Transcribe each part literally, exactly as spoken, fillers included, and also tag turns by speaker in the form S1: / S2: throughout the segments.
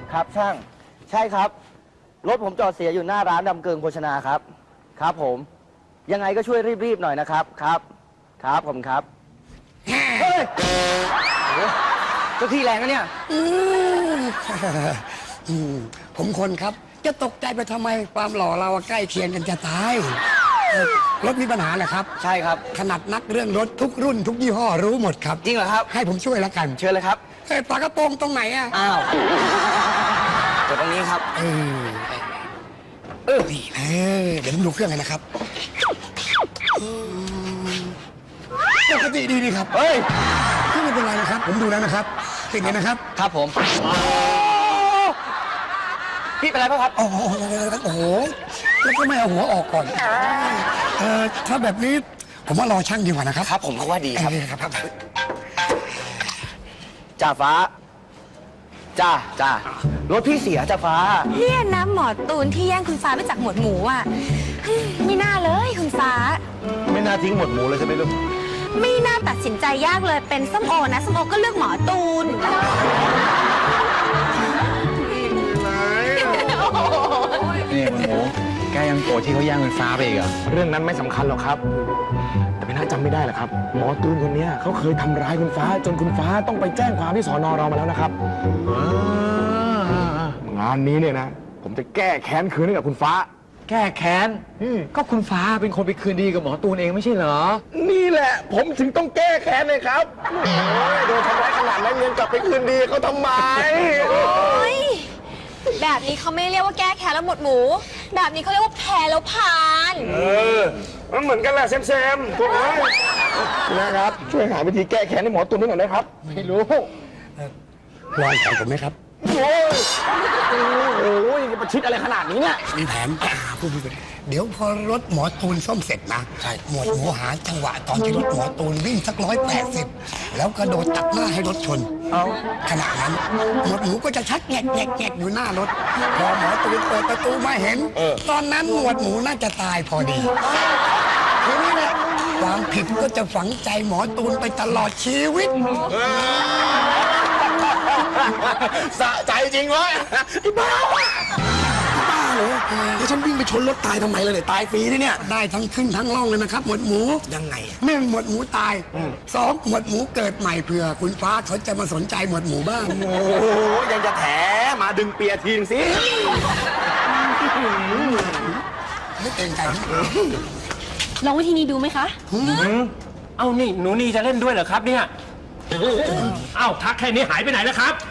S1: ครับช่างใช่ครับรถผมจอดเสียอยู่หน้าร้านดำเกิงโภชนาครับครับผมยังไงก็ช่วยรีบๆหน่อยนะครับครับครับผมครับเฮ้ยโอ้เจ้าที่แรงนะเนี่ย
S2: อืมผมคนครับจะตกใจไปทำไมความหล่อเราใกล้เคียงกันจะตายเอ่อรถมีปัญหาเหรอครับ
S1: ใช่ครับ
S2: ขนาดนักเรื่องรถทุกรุ่นทุกยี่ห้อรู้หมดครับ
S1: จริงเหรอครับ
S2: ให้ผมช่วยแล้วกัน
S1: เชิญเลยครับ
S2: เอ้ยฝากระโปรงตรงไหนอ่ะ
S1: อ้าวกดตรงนี้ครับ
S2: เออเออนี่เออเดี๋ยวผมดูเครื่องเลยนะครับอืมปกติดีนี่ครับ
S1: เฮ้ย
S2: ไม่เป็นไรนะครับ ผมดูแล้วนะครับติดเลยนะครับ
S1: ครับผมพี่เป็นไรป่ะครับ
S2: โอ้โหโอ้โหแล้วก็ไม่เอาหัวออกก่อนเออถ้าแบบนี้ผมว่ารอช่างดีกว่านะครับ
S1: ครับผมก็ว่าดีครับ
S2: ครับครับ
S1: จ่าฟ้าจ้าจ้ารถพี่เสียจ่าฟ้า
S3: เนี่ยนะหมอตูนที่แย่งคุณฟ้าไปจากหมวดหมูอ่ะอืมไม่น่าเลยคุณฟ้า
S4: ไม่น่าทิ้งหมดหมูเลยใช่ไหมลูก
S3: ไม่น่าตัดสินใจยากเลยเป็นส้มโอนะส้มโอก็เลือกหมอตูน
S5: นี่มันหมูแกยังโกรธที่เขาแย่งเงินฟ้าไปอีกเหรอเรื่องนั้นไม่สำคัญหรอกครับ แต่ไม่น่าจำไม่ได้หรอกครับ หมอตูนคนนี้เขาเคยทำร้ายคุณฟ้า จนคุณฟ้าต้องไปแจ้งความที่สอนอเรามาแล้วนะครับงานนี้เนี่ยนะ ผมจะแก้แค้นคืนให้กับคุณฟ้า
S6: แก้แค้นก็คุณฟ้าเป็นคนไปคืนดีกับหมอตูนเองไม่ใช่เหรอ
S4: นี่แหละ ผมถึงต้องแก้แค้นเลยครับโอ้ยโดนทำร้ายขนาดนั้นยังกลับไปคืนดีเขาทำไม
S3: โอ๊ยแบบนี้เขาไม่เรียกว่าแก้แค้นแล้วหมวดหมู แบบนี้เขาเรียกว่าแพ้แล้วผ่าน
S4: เออมันเหมือนกันแหละแซมแซมถูกไหมนะครับ ช่วยหาวิธีแก้แค้นให้หมอตุนด้วยหน่อยได้ครับ
S6: ไม่รู้
S2: รอของผมไหมครับ
S4: โอ้ยโอ้ยประชิดอะไรขนาดนี้เนี่ย
S2: มีแผนอ่าพูดพูดพูดเดี๋ยวพอรถหมอตูนซ่อมเสร็จนะใช่หมวดหมูหาจังหวะตอนที่รถหมอตูนวิ่งสักร้อยแปดสิบแล้วกระโดดตัดหน้าให้รถชน เอาขณะนั้นหมวดหมูก็จะชักแงกแงกแงกอยู่หน้ารถ พอหมอตูนเปิดประตูมาเห็น ตอนนั้นหมวดหมูน่าจะตายพอดีทีนี้แหละความผิดก็จะฝังใจหมอตูนไปตลอดชีวิต
S4: สะใจจริงเว้ยไอ้บ้า
S2: บ้าเหรอแล้วฉันวิ่งไปชนรถตายทำไมเลยเนี่ยตายฟรีนี่เนี่ยได้ทั้งขึ้นทั้งล่องเลยนะครับ หมวดหมูยังไงหนึ่งหมวดหมูตายสองหมวดหมูเกิดใหม่เผื่อคุณฟ้าเขาจะมาสนใจหมวดหมูบ้าง
S4: โอ้โหยังจะแถมาดึงเปียทีนสิ
S2: ไม่เกรงใจ
S3: ลองวิธีนี้ดูไหมคะ
S6: เอ้านี่หนูนีจะเล่นด้วยเหรอครับเนี่ยเอ้าทักแค่นี้หายไปไหนแล้วครับ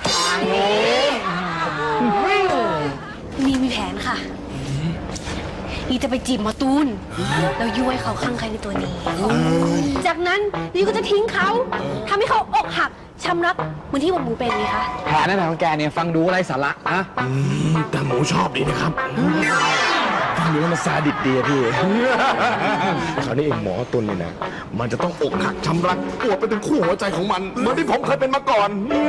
S3: มีมีแผนค่ะนี่จะไปจีบหมอตูนแล้วยุให้เขาคลั่งใครในตัวนี้ จากนั้นนี่ก็จะทิ้งเขาทำให้เขาอกหักช้ำรักเหมือนที่หมวดหมูเป็นไงคะ
S5: แผนนั้นของแกเนี่ยฟังดูอะไรสาระนะ
S4: แต่หมูชอบดีนะครับ
S5: ฟังดูแล้วมันซาดิสดีอะพี่
S4: คราวนี้เองหมอตุนเนี่ยนะ มันจะต้องอกหักช้ำรักปวดไปถึงคู่หัวใจของมัน เหมือนที่ผมเคยเป็นมาก่อน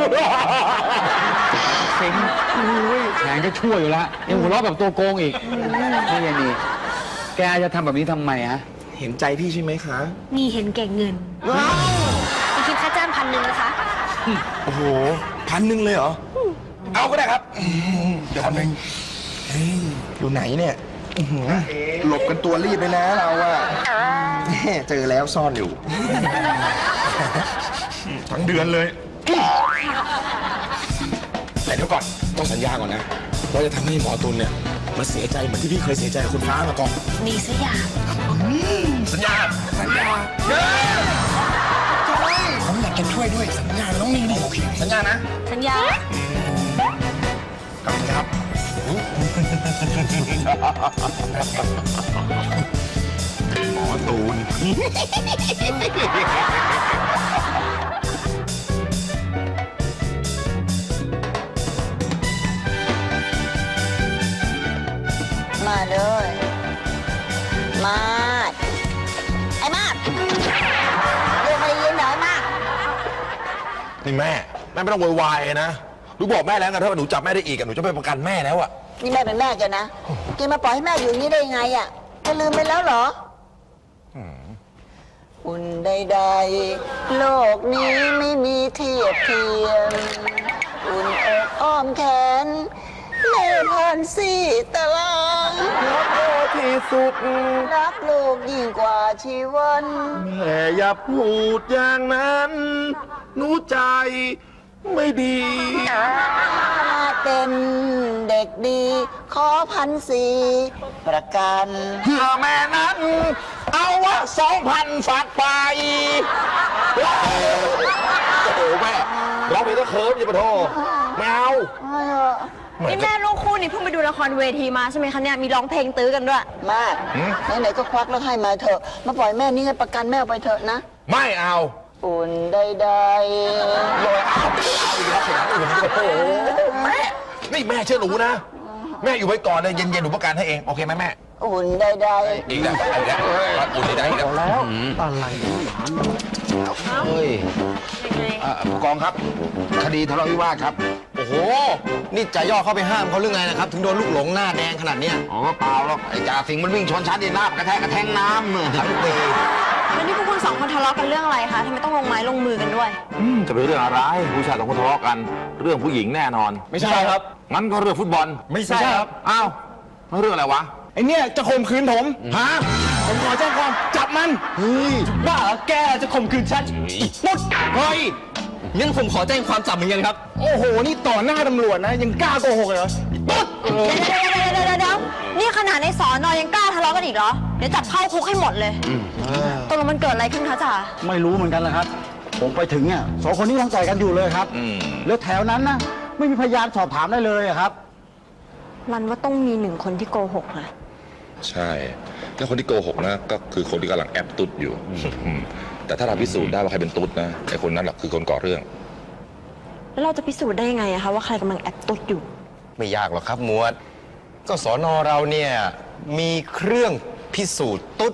S5: เซ็งอุ้ยแผนก็ชั่วอยู่แล้วยังหัวเราะแบบตัวโกงอีกนี่ยันนี่แกจะทำแบบนี้ทำไมฮะ
S4: เห็นใจพี่ใช่ไหมคะ
S3: นี่เห็นแก่เงินจะคิดค่าจ้างพันหนึ่งนะคะ
S4: โอ้โหพันหนึ่งเลยเหรอ เอาก็ได้ครับ เดี๋ยวพันหนึ่งอยู่ไหนเนี่ยอื้อหือหลบกันตัวรีบเลยนะเราอะแม่เจอแล้วซ่อนอยู่ ทั้งเดือนเลย แต่เดี๋ยวก่อนต้องสัญญาก่อนนะว่าจะทำให้หมอตุลเนี่ยมาเสียใจเหมือนที่พี่เคยเสียใจกับคุณฟ้ามาก่อน
S3: มีสักอย่าง
S4: สัญญา
S2: สัญญาผมอยากจะช่วยด้วยสัญญาน้องนี่นี่โอเค
S4: สัญญานะ
S3: สัญญา
S4: ขอบคุณครับหมอตูน
S7: มาเลยมาดไอ้มาดเรียกมายินเหรอไอ้มาด
S4: นี่แม่แม่ไม่ต้องโวยวายนะหนูบอกแม่แล้วไงถ้าหนูจับแม่ได้อีกอะหนูจะไปประกันแม่แล้วอะ
S7: นี่แม่เป็นแม่แกนะแกมาปล่อยให้แม่อยู่อย่างนี้ได้ยังไงอ่ะแกลืมไปแล้วเหรออุ่นใดๆโลกนี้ไม่มีเทียบเทียมอุ่นอกอ้อมแขนเล่ผ่านสี่ตาราง
S4: รักโอที่สุด
S7: รักลูกยิ่งกว่าชีวัน
S4: แม่อย่าพูดอย่างนั้นหนูใจไม่ดี
S7: มาเป็นเด็กดี ขอพันสี่ประกัน
S4: เพื่อแม่นั้น เอาวะสองพันฝากไป โอ้โหแม่ร้องเพลงก็เคิร์ฟอย่ามาโทษไม่เอา
S3: นี่แม่ลูกคู่นี่เพิ่งไปดูละครเวทีมาใช่ไหมคะเนี่ย มีร้องเพลงตื้อกันด้วย
S7: มากไหนๆก็ควักแล้วให้มาเถอะ มาปล่อยแม่นี่ให้ประกันแม่เอาไปเถอะนะ
S4: ไม่เอา
S7: อุ่นใด
S4: ลอยเอาเอาอีกแล้วเสียงอื่นโอ้โหแม่นี่แม่เชื่อหนูนะ แม่อยู่ไว้ก่อนเลยเย็นๆหนูประกันให้เองโอเคไหมแม่
S7: ๆอุ่นใด
S4: อีกแล้วอีกแล้วอุ่นได้อีกแล้วแล้วอะไรเฮ้ยผู้กองครับ คดีทะเลาะวิวาทครับ
S1: โอ้โห นี่จ่าย่อเข้าไปห้ามเขาหรือไงนะครับ ถึงโดนลูกหลงหน้าแดงขนาดเนี้ย
S4: อ๋อเปล่าหรอกไอ้จ่าสิงห์มันวิ่งชนชั้นดินลาบกระแทกกระแทงน้ำทั้งปี
S3: แล้วนี่พวกคุณสองคนทะเลาะกันเรื่องอะไรคะทำไมต้องลงไม้ลงมือกันด้วย
S8: อืมจะเป็นเรื่องอะไรผู้ชายสองคนทะเลาะกัน เรื่องผู้หญิงแน่นอน
S5: ไม่ใช่ครับ
S8: งั้นก็เรื่องฟุตบอล
S5: ไม่ใช่ครับ
S8: อ้าวแล้วเรื่องอะไรวะ
S5: ไอเนี่ยจะข่มขืนผม
S8: ฮะ
S5: ผมขอแจ้งความจับมันเฮ้ยบ้าเหรอแกจะข่มขืนฉันปุ๊ดเฮ้ยงั้นผมขอแจ้งความจับเหมือนกันครับ โอ้โห นี่ต่อหน้าตำรวจนะ ยังกล้าโกหกเลยเหรอปุ๊ดเออ
S3: เดี๋ยวเดี๋ยวเดี๋ยวเดี๋ยวเดี๋ยวนี่ขนาดในสอนอยังกล้าทะเลาะกันอีกเหรอ เดี๋ยวจับเข้าคุกให้หมดเลยตกลงมันเกิดอะไรขึ้นคะจ๋า
S1: ไม่รู้เหมือนกันแหละครับ ผมไปถึงเนี่ยสองคนนี้ทั้งต่อยกันอยู่เลยครับ
S8: อืม
S1: แล้วแถวนั้นนะไม่มีพยานสอบถามได้เลยอะครับ
S3: รันว่าต้องมีหนึ่งคนที่โกหกนะ
S9: ใช่ แล้วคนที่โกหกนะก็คือคนที่กำลังแอบตุ๊ดอยู่อืมแต่ถ้าเราพิสูจน์ได้ว่าใครเป็นตุ๊ดนะไอ้คนนั้นแหละคือคนก่อเรื่อง
S3: แล้วเราจะพิสูจน์ได้ยังไงอะคะว่าใครกำลังแอบตดอยู่
S10: ไม่ยากหรอกครับหมวด ก็สอนอเราเนี่ยมีเครื่องพิสูจน์ตุ๊ด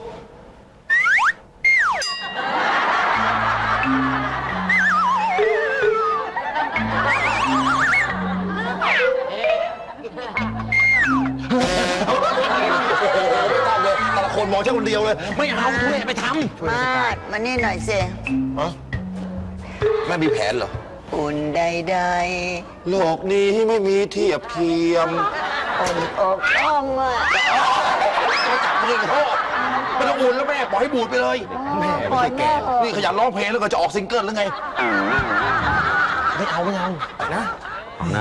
S4: แต่ละคนมองแค่คนเดียวเลย ไม่เอาทุเรศไปท
S7: ๆ มาดมานี่หน่อยสิ
S4: ำแม่มีแผนเหรอ
S7: อุ่นใด
S4: โลกนี้ไม่มีเทียบเทียม
S7: ๆอุ่นอกอ้อมอ่ะ
S4: เรื่องพ่อไม่ต้องอุ่นแล้วแม่ปล่อยให้บูดไปเลย แม่
S7: ปล่
S4: ไม่
S7: อย
S4: ใช่แก่
S7: แม่เถอะ
S4: นี่ขยันร้องเพลงแล้วก็จะออกซิงเกิลหรือไง ไม่เอาไม่เอานะ
S8: นะ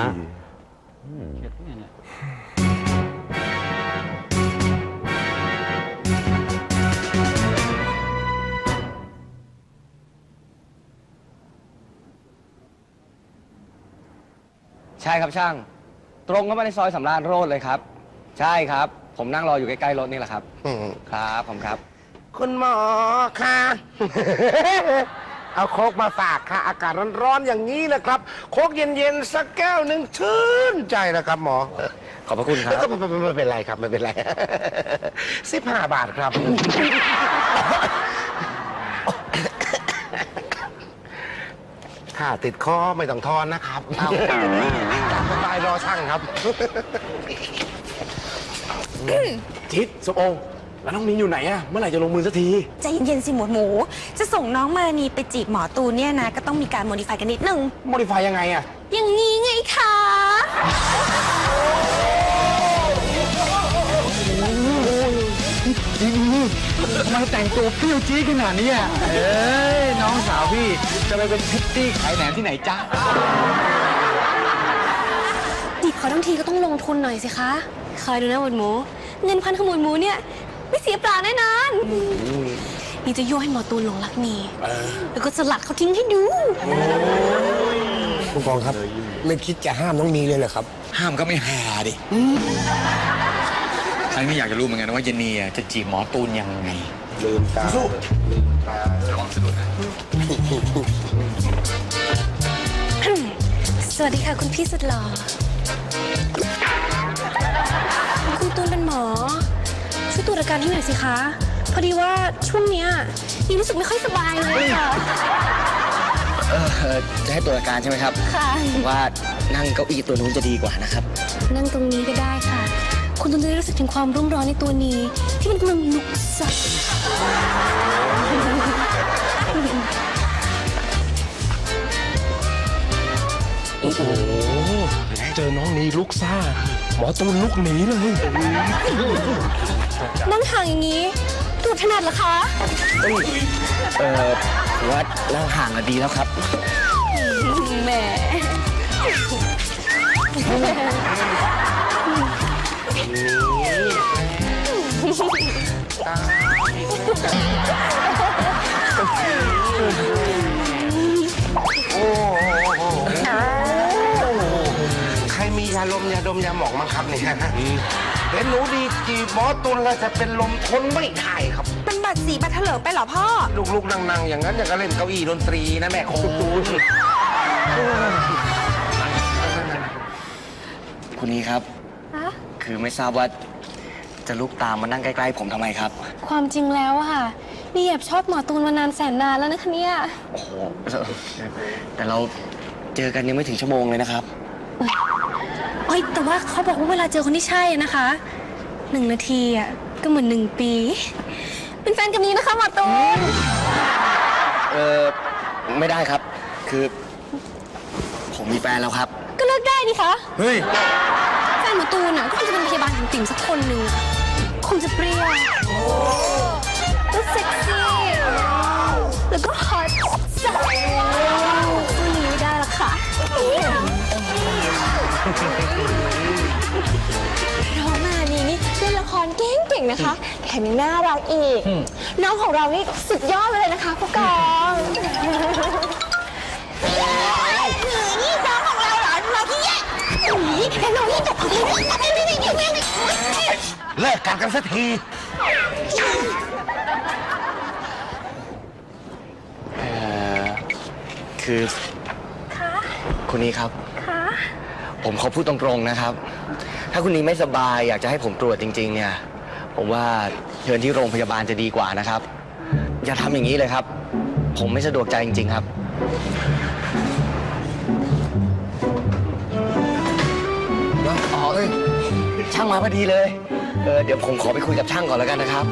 S1: ใช่ครับช่าง ตรงเข้ามาในซอยสำราญโรดเลยครับ ใช่ครับ ผมนั่งรออยู่ใกล้ๆรถนี่แหละครับ ครับผมครับ
S2: คุณหมอค่ะ เอาโคกมาฝากค่ะ อากาศร้อนๆอย่างนี้นะครับ โคกเย็นๆสักแก้วหนึ่งชื่นใจนะครับหมอ
S1: ขอบพระคุณครับ
S2: ไม่ไม่ไม่เป็นไรครับไม่เป็นไร สิบห้าบาทครับ ถ้าติดคอไม่ต้องทอนนะครับเอาตามสบายรอช่างครับ
S5: ทิศสมโอแล้วน้องมิ้นอยู่ไหนอะเมื่อไหร่จะลงมือสักที
S3: ใจเย็นๆสิหมวดหมู จะส่งน้องมานีไปจีบหมอตูนเนี่ยนะ ก็ต้องมีการโมดิฟายกันนิดนึง
S5: โมดิฟายยังไงอะ
S3: อย่างนี้ไงคะ
S5: ทำไมแต่งตัวเปรี้ยวจี๊ดขนาดนี้อะเอ้ยน้องสาวพี่จะไปเป็นพิตตี้ขายแหนมที่ไหนจ๊ะ
S3: จีบเขาทั้งทีก็ต้องลงทุนหน่อยสิคะ คอยดูนะหมวดหมู เงินพันขโมยหมูเนี่ยไม่เสียเปล่าแน่นอนนี่จะยั่วให้หมอตูนหลงรักนีแล้วก็สลัดเขาทิ้งให้ดู
S2: ผู้กองครับ ไม่คิดจะห้ามน้องนีเลยเหรอครับ
S10: ห้ามก็ไม่หาดิฉันไม่อยากจะรู้เหมือนกันว่าเยนนีจะจีบหมอตูนยังไง
S2: ลืมตา
S3: สวัสดีค่ะคุณพี่สุดหล่อ คุณตูนเป็นหมอ ช่วยตรวจอาการให้หน่อยสิคะ พอดีว่าช่วงเนี้ยนี่รู้สึกไม่ค่อยสบายเลยค่ะ
S1: เออจะให้ตรวจอาการใช่ไหมครับ
S3: ค่ะ
S1: ผมว่านั่งเก้าอี้ตัวนู้นจะดีกว่านะครับ
S3: นั่งตรงนี้ก็ได้ค่ะ คุณตูนจะได้รู้สึกถึงความรุ่มร้อนในตัวนี้ ที่มันกำลังลุกซัด
S1: โอ้โห
S6: เจอน้องนีลุกซ่า หมอตูนลุกหนีเลย
S3: นั่งห่างอย่างนี้ตูดถนัดเหรอคะ
S1: เออผมว่านั่งห่างกันดีแล้วครับ
S3: แหม
S4: ใครมียาลมยาดมยาหมองมั้งครับเนี่ยเห็นหนูดีจีบหมอตุลแล้วจะเป็นลมทนไม่ได้ครับ
S11: เป็นบัตรสีบัตรเถลิงไปเหรอพ่อ
S4: ลูกๆนั่งๆอย่างนั้นอย่างก็เล่นเก้าอี้ดนตรีนะแม่คุณ
S1: คุณนี้ครับ
S3: ฮะ
S1: คือไม่ทราบว่าจะลุกตามมานั่งใกล้ๆผมทำไมครับ
S3: ความจริงแล้วอะค่ะ นี่แอบชอบหมอตูนมานานแสนนานแล้วนะคะเนี่ย
S1: โอ้โห แต่เราเจอกันยังไม่ถึงชั่วโมงเลยนะครับ
S3: เอ้ยแต่ว่าเขาบอกว่าเวลาเจอคนที่ใช่นะคะหนึ่งนาทีอะก็เหมือนหนึ่งปี เป็นแฟนกันนี้นะคะหมอตูน
S1: เออไม่ได้ครับ คือ ผมมีแฟนแล้วครับ
S3: ก็เลิกได้นี่คะ
S1: เฮ้ย
S3: แฟนหมอตูนอะก็คงจะเป็นพยาบาลติ่มๆสักคนหนึ่งคงจะเปรี้ยวแล้วเซ็กซี่แล้วก็ฮอตสัสสู้นี้ไม่ได้หรอกค่ะน้องมานีนี่เล่นละครเก่งๆนะคะแถมยังน่ารักอีก น้องของเรานี่สุดยอดเลยนะคะผู้กองนี่น้องของเราเหรอเราที่แย่นี่แต่น้องนี่ตกอะไรนี่อะไรนี่นี่นี่นี่
S4: เลิกกันกันสักที
S1: เอ่อ คือคุณนี้ครับ ผมขอพูดตรงๆนะครับ ถ้าคุณนี้ไม่สบายอยากจะให้ผมตรวจจริง ๆ เนี่ย ผมว่าเชิญที่โรงพยาบาลจะดีกว่านะครับ อย่าทำอย่างนี้เลยครับ ผมไม่สะดวกใจจริง ๆ ครับ อ๋อเอ้ยช่างมาพอดีเลย เออเดี๋ยวผมขอไปคุยกับช่างก่อนแล้วกันนะครับ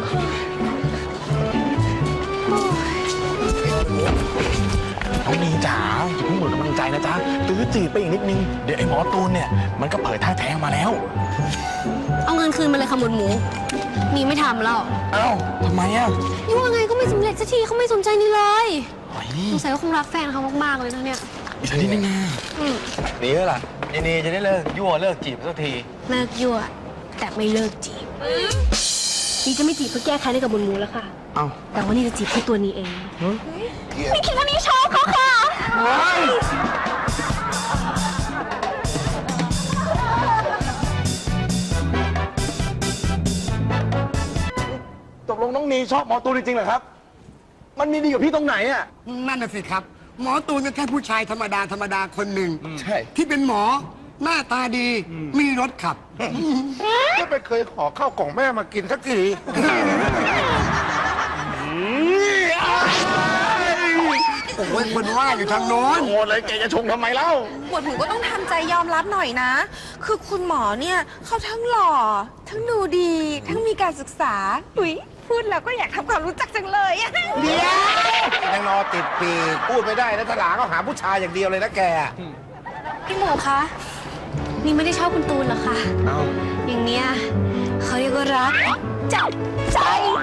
S5: น้องนีจ๋าอย่าเพิ่งหมดกำลังใจนะจ๊ะตื้อจีบไปอีกนิดนึง เดี๋ยวไอ้หมอตูนเนี่ย มันก็เผยท่าแท้งมาแล้ว
S3: เอาเงินคืนมาเลยค่ะหมวดหมูนี่ไม่ทำแล้ว
S5: เอ้าทำไมอ่ะ
S3: นี่ว่าไงก็ไม่สำเร็จสักทีเขาไม่สนใจนี่เลย
S5: โอ้ย
S3: สงสัยว่าคงรักแฟนเขามากๆเลยนะเนี่ย
S5: อีกนิดนึงนะ
S3: อืม
S10: หนีแล้วล่ะยินดีจะได้เลิกยั่วเลิกจีบสักที
S3: เลิกยั่วแต่ไม่เลิกจีบนี่จะไม่จีบเพื่อแก้แค้นให้กับหมวดหมูแล้วค่ะ
S5: เอ้า
S3: แต่ว่านี่จะจีบแค่ตัวนี้เองไม่คิดว่านี่ชอบเขาค่ะ
S5: ตกลงน้องนีชอบหมอตูนจริงๆเหรอครับ มันมีดีกว่าพี่ตรงไหนอ่ะ
S2: นั่นน่ะสิครับ หมอตูนก็แค่ผู้ชายธรรมดาธรรมดาคนหนึ่ง
S5: ใช่
S2: ที่เป็นหมอหน้าตาดีมีรถขับ
S4: ก็ไม่เคยขอข้าวกล่องแม่มากินสักที
S2: โอ้ยคนว่าอยู่ทางโน้น
S5: โอ้เลยแกจะชงทำไมเล่า
S11: หมวดหมูก็ต้องทำใจยอมรับหน่อยนะ คือคุณหมอเนี่ยเขาทั้งหล่อ ทั้งดูดี ทั้งมีการศึกษาอุ๊ยพูดแล้วก็อยากทำความรู้จักจังเลยอะ
S4: เดี๋ยวยังรอติดปีกพูดไม่ได้นะทลาก็หาผู้ชายอย่างเดียวเลยนะแก
S3: พี่หมูคะนี่ไม่ได้ชอบคุณตูนหรอกค่ะ
S1: เอ้า
S3: อย่างเนี้ยเขาเรียกว่ารักจับใจ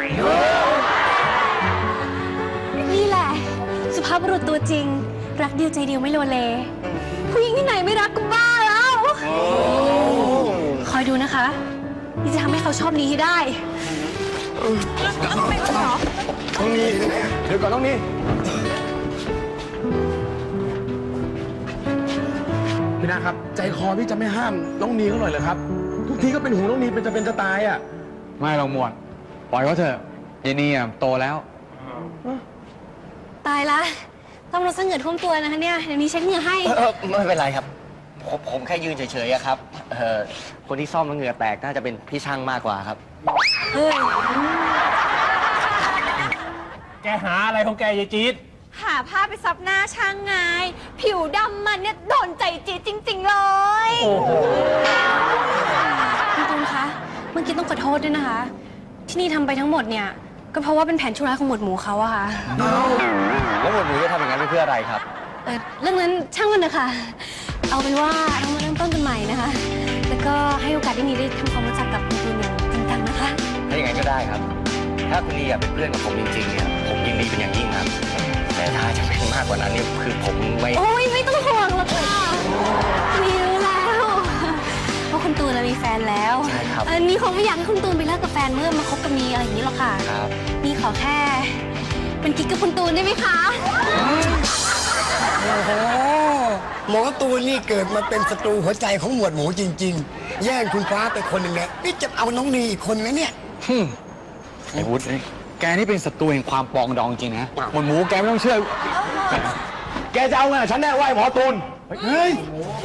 S3: นี่แหละ สุภาพบุรุษตัวจริง รักเดียวใจเดียวไม่โลเล ผู้หญิงที่ไหนไม่รักก็บ้าแล้ว คอยดูนะคะ นี่จะทำให้เขาชอบนี้ให้ได้
S5: น้องนีเดี๋ยวก่อนน้องนีพี่นาครับ ใจคอพี่จะไม่ห้ามน้องนีเขาหน่อยเหรอครับ ทุกทีก็เป็นหูน้องนีเป็นจะเป็นจะตายอ่ะ
S10: ไม่หรอกหมวด ปล่อยเขาเถอะยินดีอ่ะโตแล้ว
S3: ตายละต้องรถเสงื่อท่วมตัวนะคะเนี่ย เดี๋ยวนี้เช็ดเหงื่อให้
S1: เออไม่เป็นไรครับ ผมผมแค่ยืนเฉยๆอะครับ เออคนที่ซ่อมแล้วเหงื่อแตกน่าจะเป็นพี่ช่างมากกว่าครับ
S3: เฮ้ย
S6: แกหาอะไรของแกยายจี๊ด
S11: หาผ้าไปซับหน้าช่างไง ผิวดำมันเนี่ยโดนใจจีดจริง ๆ เลย
S6: โอ้โห
S3: คุณตูนคะ เมื่อกี้ต้องขอโทษด้วยนะคะ ที่นี่ทำไปทั้งหมดเนี่ย ก็เพราะว่าเป็นแผนชั่วร้ายของหมวดหมูเขาอะค่ะ
S1: แล้วหมวดหมูจะทำอย่างนั้นไปเพื่ออะไรครับ
S3: เออเรื่องนั้นช่างมันนะคะ เอาเป็นว่าเรามาเริ่มต้นกันใหม่ม่นะคะ แล้วก็ให้โอกาสที่นีได้ทำความรู้จักกับคุณตูนอย่างจริงจังนะคะ
S1: ถ้าอย่างนั้นก็ได้ครับ ถ้าคุณนีอยากเป็นเพื่อนกับผมจริงๆเนี่ยผมยินดีเป็นอย่างยิ่งครับ แต่ถ้าจะเป็นมากกว่านั้นเนี่ยคือผมไม่
S3: โอ้ยไม่ต้องห่วงหรอกค่ะมีรู้แล้วว่าคุณตูนน่ะมีแฟนแล้ว
S1: ใช่ครับ
S3: เออนี่คงไม่อยากให้คุณตูนไปเลิกกับแฟนเมื่อมาคบกับนีอะไรอย่างนี้หรอกค่ะ
S1: ครับ
S3: นี่ขอแค่ เป็นกิ๊กกับคุณตูนได้ไหมคะ
S2: โอ้โหหมอตูนนี่เกิดมาเป็นศัตรูหัวใจของหมวดหมูจริง ๆ แย่งคุณฟ้าไปคนหนึ่งเนี่ยนี่จะเอาน้องนีอีกคนนะเนี่ย
S5: ไอ้วุฒิแกนี่เป็นศัตรูแห่งความปองดองจริงนะหมวดหมูแกไม่ต้องเชื่อ แกจะเอาไงฉันแน่ไหวหมอตูน เฮ้ย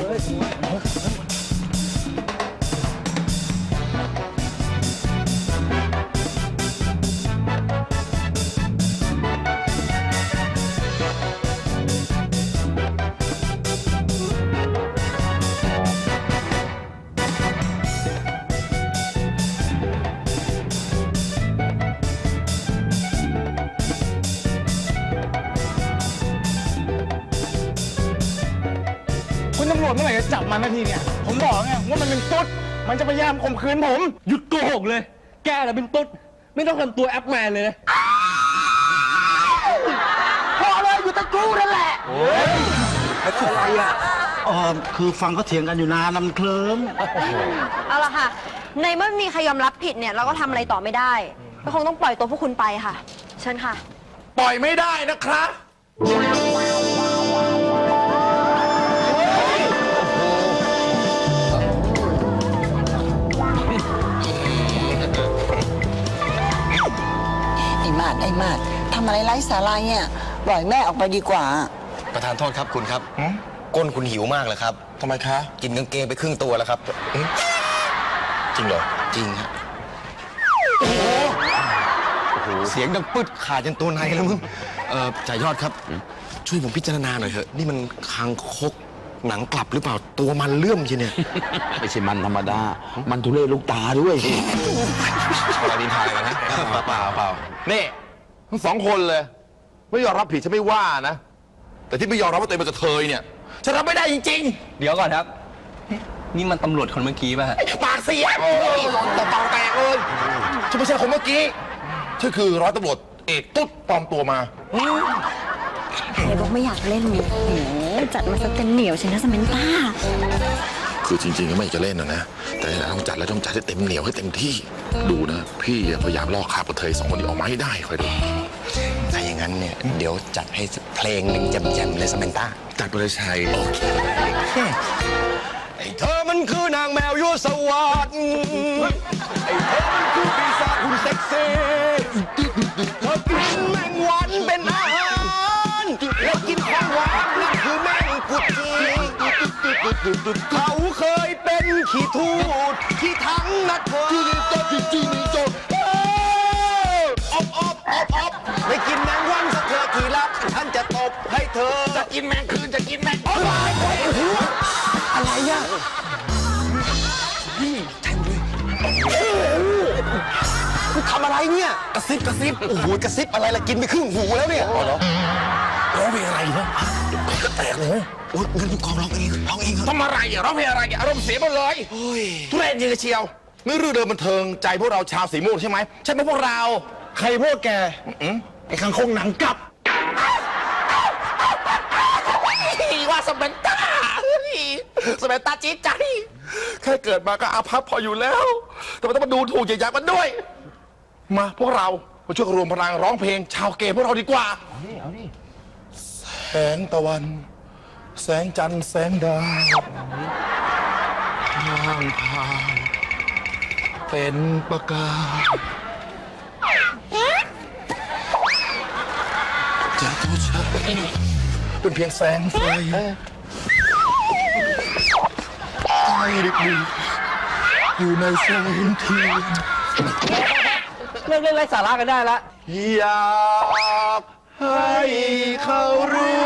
S5: คุณตำรวจเมื่อไหร่จะจับมันนาทีเนี่ย ผมบอกไงว่ามันเป็นตุ๊ด มันจะพยายามข่มขืนผม
S6: หยุดโกหกเลย แกน่ะเป็นตุ๊ด ไม่ต้องทำตัวแอปแมนเลยนะ
S2: พอเลยอยู่ตะกูนั่นแหละอะไรอ่ะอ๋อคือฟังเขาเถียงกันอยู่นานน้ำเคลิ้ม
S11: เอาละค่ะ ในเมื่อไม่มีใครยอมรับผิดเนี่ย เราก็ทำอะไรต่อไม่ได้ ก็คงต้องปล่อยตัวพวกคุณไปค่ะ เชิญค่ะ
S4: ปล่อยไม่ได้นะครับ
S7: ไอ้มาดไอ้มาดทำอะไรไร้สาระเนี่ยปล่อยแม่ออกไปดีกว่า
S10: ประธานโทษครับคุณครับ ก้นคุณหิวมากเลยครับ
S4: ทำไมคะ
S10: กินกางเกงไปครึ่งตัวแล้วครับ
S4: จริงเหรอ
S10: จริงครับเสียงดังปึ๊ดขาดจนตัวในแล้วมึงเอ่อจ่ายยอดครับ ช่วยผมพิจารณาหน่อยเถอะ นี่มันคางคกหนังกลับหรือเปล่า ตัวมันเลื่อมทีเนี่ย
S8: ไม่ใช่มันธรรมดา มันทุเรศลูกตาด้วย
S10: เราดินทายกันนะเปล่าเปล่าเปล่า
S9: นี่ทั้งสองคนเลย ไม่ยอมรับผิดฉันไม่ว่านะ แต่ที่ไม่ยอมรับว่าตัวเองเป็นกระเทยเนี่ยฉันรับไม่ได้จริง
S1: เดี๋ยวก่อนครับ นี่มันตำรวจคนเมื่อกี้ป่ะฮะ
S9: ๆ ปากเสียต่อปากแตกเลยฉันไม่ใช่คนเมื่อกี้ฉันคือร้อยตำรวจเอกตุ๊ดปลอมตัวมา
S3: ไหนบอกไม่อยากเล่นเนี่ยจัดมาซะเต็มเหนียวฉันนะสเมนต้า
S9: คือจริงๆก็ไม่อยากจะเล่นนะนะ แต่ต้องจัดแล้วต้องจัดให้เต็มเหนียวให้เต็มที่ ดูนะ พี่พยายามลอกคราบกระเทยสองคนนี้ออกมาให้ได้คอยดู
S10: ถ้าอย่างนั้นเนี่ย เดี๋ยวจัดให้เพลงหนึ่งแจ่มๆเลยสเมนต้า
S9: จัดไปเลยชัย
S10: โอเคไอ้เธอมันคือนางแมวยั่วสวัสดิ์ไอ้เธอมันคือปีศาจหุ่นเซ็กซี่เธอกินแมงวันเป็นอาหารและกินของหวานนั่นคือแมงกุดจีเขาเคยเป็นขี้ทูดที่ทั้งนัดเธอจริงจริงจบอบอบอบอบไม่กินแมงวันสักเธอทีละฉันจะตบให้เธอจะกินแมงคืนจะกินแมงอะไรอะไรอ่ะนี่แทงด้วยคุณทำอะไรเนี่ยกระซิบกระซิบโอ้โหกระซิบอะไรล่ะกินไปครึ่งหูแล้วเนี่ยเหรอร้องเพลงอะไรเนี่ยก็แตกเลยโอ้ยงั้นคุณกองร้องเองร้องเองครับ
S9: ทำอะไรอ่ะร้องเพลงอะไรอ่ะอารมณ์เสียหมดเลยทุเรศยิงกระเชียวนี่รื่นเริงบันเทิงใจพวกเราชาวสีม่วงใช่ไหมใช่ไหมพวกเรา
S10: ใครพวกแกไอ้คังคงหนังกลับ
S9: ว่าสเปนต้าสเปนต้าจี๊ดใจแค่เกิดมาก็อาภัพพออยู่แล้วแต่มันต้องมาดูถูกเหยียดหยามกันด้วย มาพวกเรามาช่วยกันรวมพลังร้องเพลงชาวเกย์พวกเราดีกว่าแสงตะวัน แสงจันทร์แสงดาวทางพานเป็นประกายจะตัวฉันเป็นเพียงแสงไฟใต้ดึกดื่นอยู่ในแสงเทียน
S1: เลิกเล่นไร้สาระกันได้ละ
S9: อยากให้เขารู้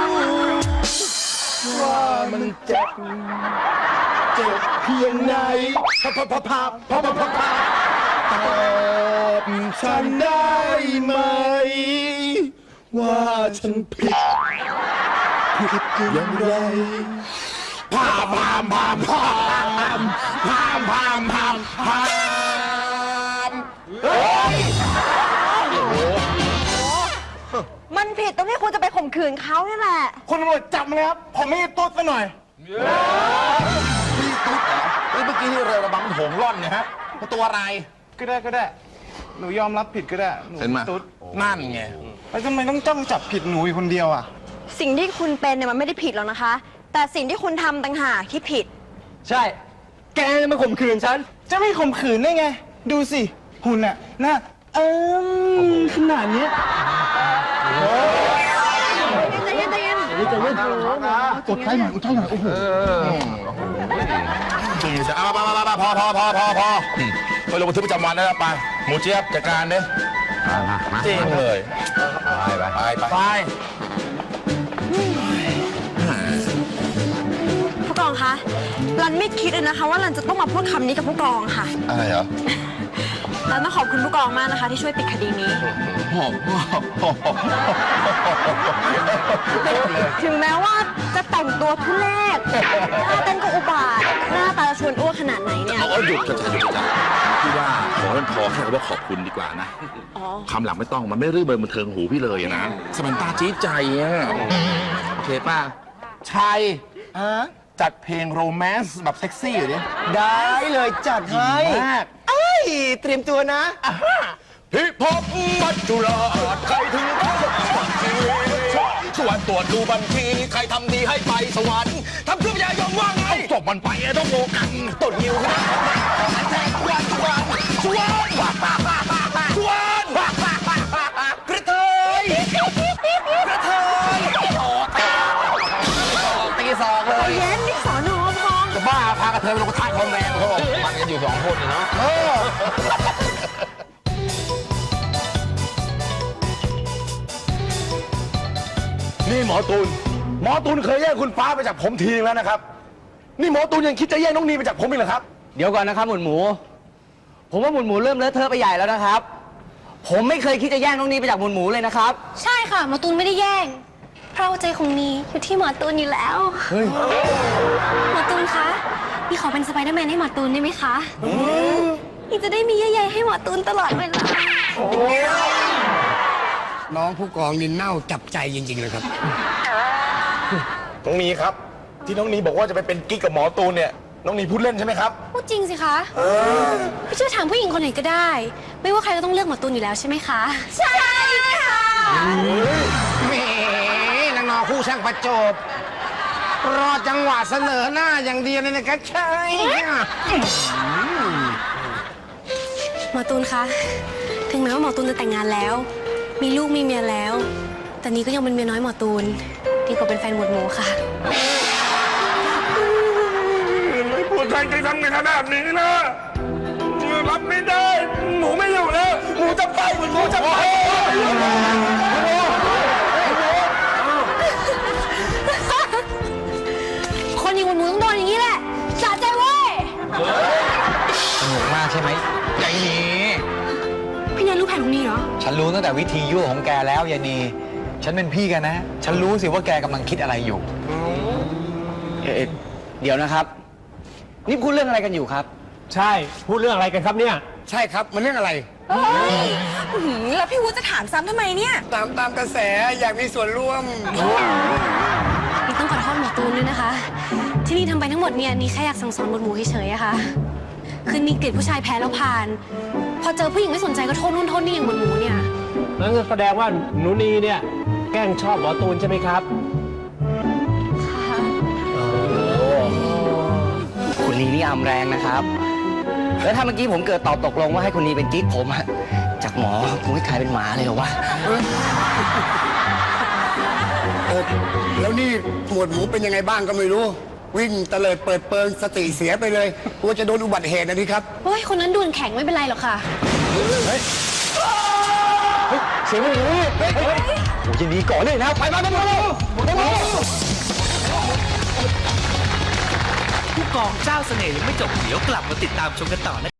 S9: ว่ามันเจ็บเจ็บเพียงไหนพะพะพะพะพะพะพะพะตอบฉันได้ไหม ว่าฉันผิดผิดอย่างไรพาพามพามพามพามพามพามพามเฮ้ย
S11: มันผิดตรงที่คุณจะไปข่มขืนเขานี่แหละ
S4: คุณตำรวจจับมันเลยครับ ผมไม่ตุ๊ดซะหน่อย
S9: พี่ตุ๊ดเหรอเฮ้ยเมื่อกี้ที่เรือระบังโหงร่อนเนี่ยฮะมันตัวอะไร
S10: ก็ได้ก็ได้ หนูยอมรับผิดก็ได้หนู
S9: เห็นไหม
S10: ตุ๊ด
S9: นั่นไง
S10: แล้วทำไมต้องจ้องจับผิดหนูอยู่คนเดียวอ่ะ
S11: สิ่งที่คุณเป็นเนี่ยมันไม่ได้ผิดหรอกนะคะ แต่สิ่งที่คุณทำต่างหากที่ผิด
S10: ใช่ แกจะมาข่มขืนฉัน จะไม่ข่มขืนได้ไง ดูสิหุ่นน่ะหน้าเอิมขนาดเนี้ย
S11: ใจเย็นใจเย็น
S4: กดไฟหน่อยกดไฟหน่อย โอ้โห
S9: จริงจะเอาไปไปไปพอพอพอพอพอไปลงบันทึกประจำวันได้แล้วไปหมูเจี๊ยบจัดการเด้จริงเลยไปไปไปไป
S11: ผู้กองคะ รันไม่คิดเลยนะคะ ว่ารันจะต้องมาพูดคำนี้กับผู้กองค่ะ
S9: อะไรเหรอ
S11: รันต้องขอบคุณผู้กองมากนะคะ ที่ช่วยปิดคดีนี้ ถึงแม้ว่าจะแต่งตัวทุเรศท่าเต้นก็อุบาท หน้าตาชวนอ้วกขนาดไหนเนี่ย
S8: เอาหยุดกระจายหยุดกระจายพี่ว่าขอให้มันพอแค่คำว่าขอบคุณดีกว่านะ
S11: อ๋อ
S8: คำหลังไม่ต้องมันไม่รื่นเริงบันเทิงหูพี่เลยอะนะสมันตาจี๊ดใจอะโอเคป่ะ
S9: ชัยจัดเพลงโรแมนต์แบบเซ็กซี่อยู่ดิ
S10: ได้เลยจัดให้
S9: มาก
S10: เอ้ย เตรียมตัวนะ
S9: ฮิปฮอปมัจจุราชใครถึงเขาชีวิตชวนตรวจดูบัญชีใครทำดีให้ไปสวรรค์ทำทุกอย่างยอมว่างไงจบมันไปต้องโงกันต้นนิ้วนะชวนชวนชวนชวนกระเทยกระเทยตีสองเลย
S11: เย็นนี่สอนอพอง
S9: จะบ้าพากระเทยไปลงกระทะทองแดงเขาบอกมันกันอยู่สองคนเนาะนี่หมอตูน หมอตูนเคยแย่งคุณฟ้าไปจากผมทีนึงแล้วนะครับ นี่หมอตูนยังคิดจะแย่งน้องนีไปจากผมอีกเหรอครับ
S1: เดี๋ยวก่อนนะครับหมุนหมู ผมว่าหมุนหมูเริ่มเลอะเทอะไปใหญ่แล้วนะครับ ผมไม่เคยคิดจะแย่งน้องนีไปจากหมุนหมูเลยนะครับ
S3: ใช่ค่ะหมอตูนไม่ได้แย่ง เพราะว่าใจของนีอยู่ที่หมอตูนอยู่แล้ว
S1: เฮ้ย
S3: หมอตูนคะนี่ขอเป็นสไปเดอร์แมนให้หมอตูนได้ไหมคะนี่จะได้มีเยื่อใยให้หมอตูนตลอดเวลา
S2: น้องผู้กองนี่เน่าจับใจจริงๆเลยครับ
S9: น้องนีครับ ที่น้องนีบอกว่าจะไปเป็นกิ๊กกับหมอตูนเนี่ย น้องนีพูดเล่นใช่ไหมครับ
S3: พูดจริงสิคะพี่ช่วยถามผู้หญิงคนไหนก็ได้ ไม่ว่าใครก็ต้องเลือกหมอตูนอยู่แล้วใช่ไหมคะ ใช่ค่ะ
S10: แหมนางนอคู่ช่างประจบ รอจังหวะเสนอหน้าอย่างเดียวเลยนะครับใช่
S3: หมอตูนคะ ถึงแม้ว่าหมอตูนจะแต่งงานแล้ว มีลูกมีเมียแล้ว แต่นี้ก็ยังเป็นเมียน้อยหมอตูน ดีกว่าเป็นแฟนหมวดหมูค่ะ
S9: ไม่พูดแทนใจทำกันขนาดนี้นะรับไม่ได้ หมูไม่อยู่แล้วหมูจะไปหมูจะไป
S3: คนอย่างหมวดหมูต้องโดนอย่างนี้แหละสะใจเว้ย
S5: สนุกมากใช่ไหมยายนี
S3: พี่แนนรู้แผนของนี่เหรอ
S5: ฉันรู้ตั้งแต่วิธียั่วของแกแล้วยายนีฉันเป็นพี่กันนะ ฉันรู้สิว่าแกกำลังคิดอะไรอยู่
S1: เอ๊ะเดี๋ยวนะครับ นี่พูดเรื่องอะไรกันอยู่ครับ
S6: ใช่พูดเรื่องอะไรกันครับเนี่ย
S2: ใช่ครับ มันเรื่องอะไร
S11: อื้อหือแล้วพี่วุฒิจะถามซ้ำทำไมเนี่ย
S2: ตามตามกระแสอยากมีส่วนร่วม
S3: นี่ต้องขอโทษหมอตูนด้วยนะคะ ที่นี่ทำไปทั้งหมดเนี่ยนี่แค่อยากสั่งสอนหมวดหมูเฉยๆอะค่ะ คือนี่เกลียดผู้ชายแพ้แล้วผ่าน พอเจอผู้หญิงไม่สนใจก็โทษนู่นโทษนี่อย่างหมวดหมูเนี่ย
S6: นั่นก็แสดงว่าหนูนีเนี่ย แกล้งชอบหมอตูนใช่ไหมครับ
S1: คุณนีนี่อำแรงนะครับ แล้วถ้าเมื่อกี้ผมเกิดตอบตกลงว่าให้คุณนีเป็นกิ๊กผมอะจากหมอผมไม่กลายเป็นหมาเลยเหรอวะ
S2: เออแล้วนี่หมวดหมูเป็นยังไงบ้างก็ไม่รู้ วิ่งเตลิดเปิดเปิงสติเสียไปเลยกลัวจะโดนอุบัติเหตุนะนี่ครับ
S3: โอ้ยคนนั้นดวลแข็งไม่เป็นไรหรอกค่ะ
S5: เสียงมันอยู่นี่เฮ้ยโอ้ยยินดีก่อนเลยนะ ไปมาไปมาไปมา
S12: ผู้กองเจ้าเสน่ห์ยังไม่จบ เดี๋ยวกลับมาติดตามชมกันต่อนะ